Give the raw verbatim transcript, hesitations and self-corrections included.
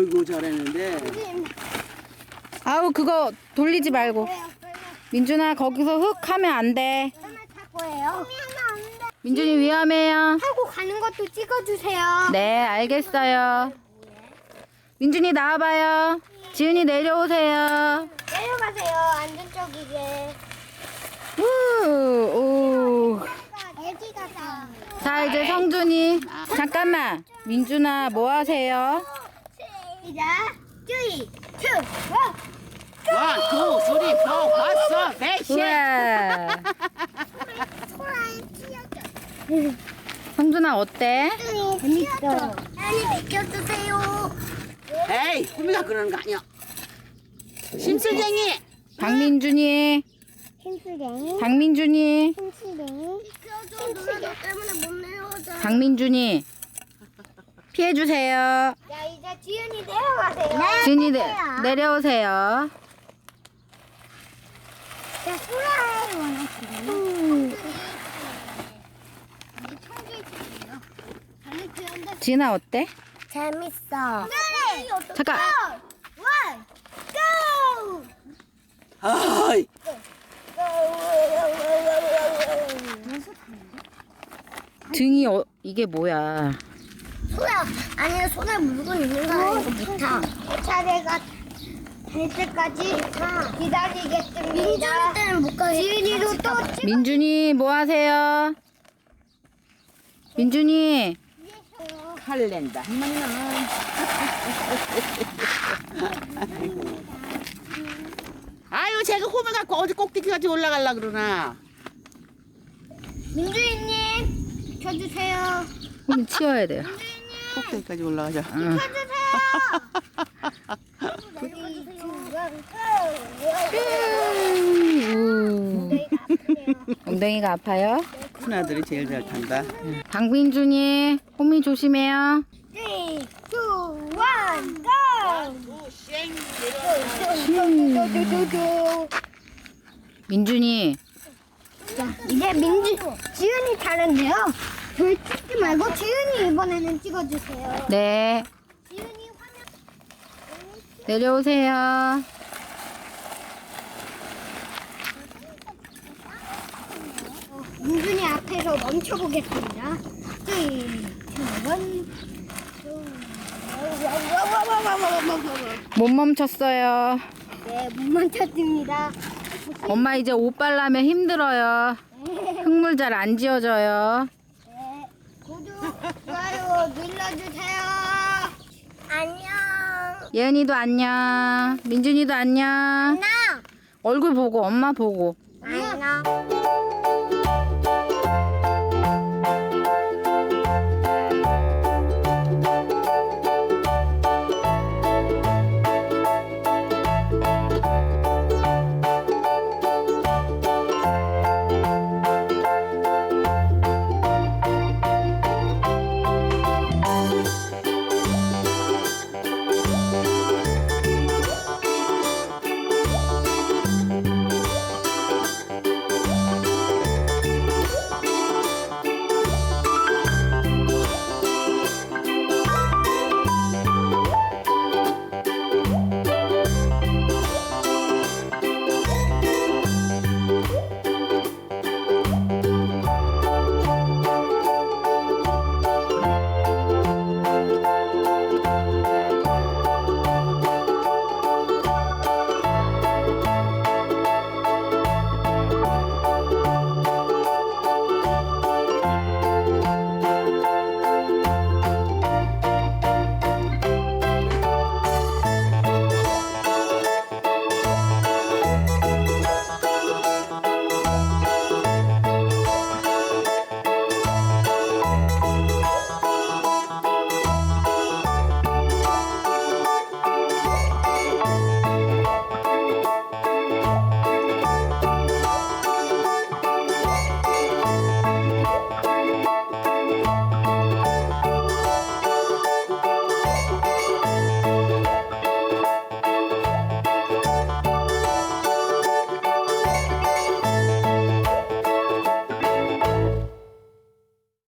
아이고 잘했는데. 아우 그거 돌리지 말고. 민준아 거기서 흙 하면 안 돼. 거예요. 민준이 위험해요. 하고 가는 것도 찍어주세요. 네 알겠어요. 민준이 나와봐요. 지은이 내려오세요. 내려가세요. 안전적이게. 우, 우. 애기가 다. 자 이제 성준이. 잠깐만. 민준아 뭐 하세요? 시작. 쓰리, 투, 원. 원, 투, 쓰리, 포, 파스, 백십. 우와. 소라에 튀어져. 성준아 어때? 재밌어. 빨리 비켜주세요. 에이, 호미가 그러는 거 아니야. 심술쟁이. 박민준이. 힘쓰갱이. 박민준이. 힘쓰갱이. 비켜줘. 누나 때문에 못 내려오자. 박민준이. 피해주세요. 야 이제 지은이 내려가세요. 지은이 내, 내려오세요. 자 소라에 원하시는. 지은아 어때? 재밌어. 잠깐. 원, 고! 아이, 등이 어, 이게 뭐야? 소야, 아니야 손에 물건 있는 거 아니고 못 타. 차례가 될 때까지 기다리겠습니다. 민준이 때는 못 가겠다. 지은이도 또 찍. 민준이 뭐 하세요? 민준이. 칼렌다. 아유, 제가 호미 갖고 어디 꼭대기까지 올라가려 그러나. 민준이님 비켜주세요. 홈이 치워야 돼요. 꼭대기까지 올라가자. 응. 우. 엉덩이가 아파요? 큰 아들이 제일 잘 탄다. 박민준이. 홈이 조심해요. 쓰리, 투, 원, 고! 민준이. 이제 민주 지은이 차례인데요. 별 찍지 말고 지은이 이번에는 찍어주세요. 네. 지은이 화면 내려오세요. 민준이 앞에서 멈춰보겠습니다. 쓰리, 투, 원. 못 멈췄어요. 네, 못 멈췄습니다. 엄마 이제 옷 빨라면 힘들어요. 흙물 잘 안 지워져요. 네, 구독, 좋아요 눌러주세요. 안녕. 예은이도 안녕. 민준이도 안녕. 안녕. 얼굴 보고 엄마 보고. 안녕.